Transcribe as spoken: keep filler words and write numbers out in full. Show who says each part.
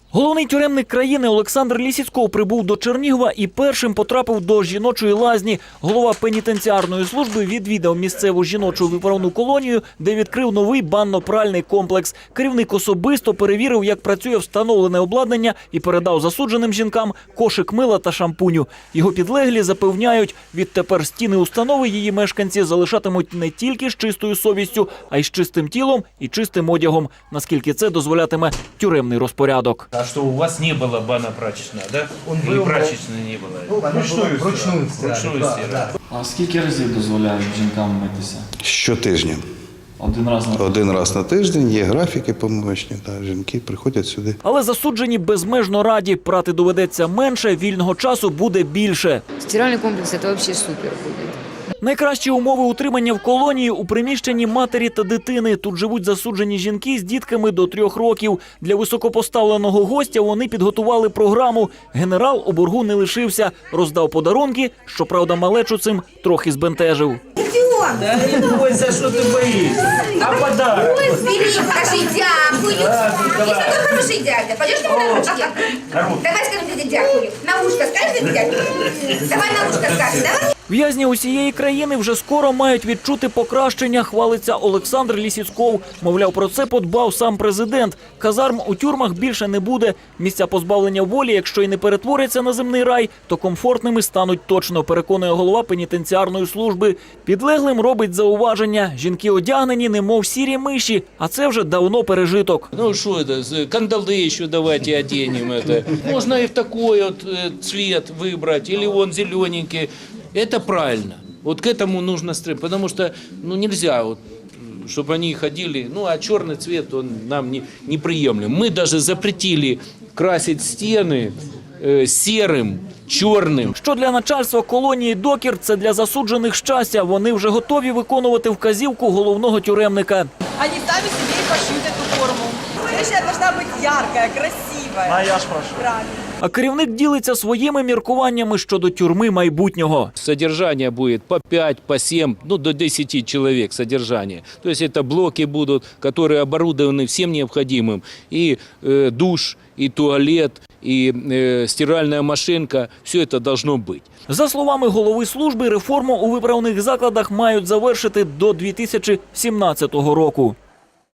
Speaker 1: Головний тюремник країни Олександр Лісіцьков прибув до Чернігова і першим потрапив до жіночої лазні. Голова пенітенціарної служби відвідав місцеву жіночу виправну колонію, де відкрив новий банно-пральний комплекс. Керівник особисто перевірив, як працює встановлене обладнання і передав засудженим жінкам кошик мила та шампуню. Його підлеглі запевняють, відтепер стіни установи її мешканці залишатимуть не тільки з чистою совістю, а й з чистим тілом і чистим одягом, наскільки це дозволятиме тюремний розпорядок.
Speaker 2: А что, у вас не было бана прачечная, да?
Speaker 3: Он
Speaker 2: Или
Speaker 3: был,
Speaker 2: прачечной не было?
Speaker 3: Ну, вручную, вручную стирали.
Speaker 2: Вручную
Speaker 3: Да,
Speaker 2: стирали.
Speaker 3: да.
Speaker 4: А скільки разів дозволяють жінкам митися?
Speaker 5: Щотижня.
Speaker 4: Один раз на тиждень?
Speaker 5: Один раз на тиждень є графіки помивочні, та жінки приходять сюди.
Speaker 1: Але засуджені безмежно раді. Прати доведеться менше, вільного часу буде більше.
Speaker 6: Стиральный комплекс – это вообще супер будет.
Speaker 1: Найкращі умови утримання в колонії у приміщенні матері та дитини. Тут живуть засуджені жінки з дітками до трьох років. Для високопоставленого гостя вони підготували програму. Генерал у боргу не лишився. Роздав подарунки, щоправда, малечу цим трохи збентежив.
Speaker 2: Да не бойся, что ты боишься. А подарок?
Speaker 7: Ой, бери, скажи дякую. Ты такой хороший дядя. Пойдешь ему на ручки? Давай скажем тебе дякую. На ушко скажешь тебе дякую? Давай на ушко скажем, давай.
Speaker 1: В'язні усієї країни вже скоро мають відчути покращення, хвалиться Олександр Лісіцьков. Мовляв, про це подбав сам президент. Казарм у тюрмах більше не буде. Місця позбавлення волі, якщо й не перетворяться на земний рай, то комфортними стануть точно, переконує голова пенітенціарної служби. Підлеглим робить зауваження. Жінки одягнені, немов сірі миші, а це вже давно пережиток.
Speaker 2: Ну что это, кандалы еще давайте оденем это. Можно и в такой вот э, цвет выбрать, или он зелененький. Это правильно. Вот к этому нужно стремиться, потому что ну, нельзя, вот, чтобы они ходили, ну а черный цвет он нам не, неприемлем. Мы даже запретили красить стены э, серым, чорним.
Speaker 1: Що для начальства колонії «Докір» – це для засуджених щастя. Вони вже готові виконувати вказівку головного тюремника.
Speaker 8: Они сами себе и пошьют эту форму. Следующая должна быть яркая, красивая. А я ж прошу. Правильно.
Speaker 1: А керівник ділиться своїми міркуваннями щодо тюрми майбутнього.
Speaker 2: Содержание будет по пять, по семь, ну до десяти человек содержание. То есть это блоки будут, которые оборудованы всем необходимым. И э, душ, и туалет, и э, стиральная машинка. Все это должно быть.
Speaker 1: За словами голови служби, реформу у виправних закладах мають завершити до дві тисячі сімнадцятого року.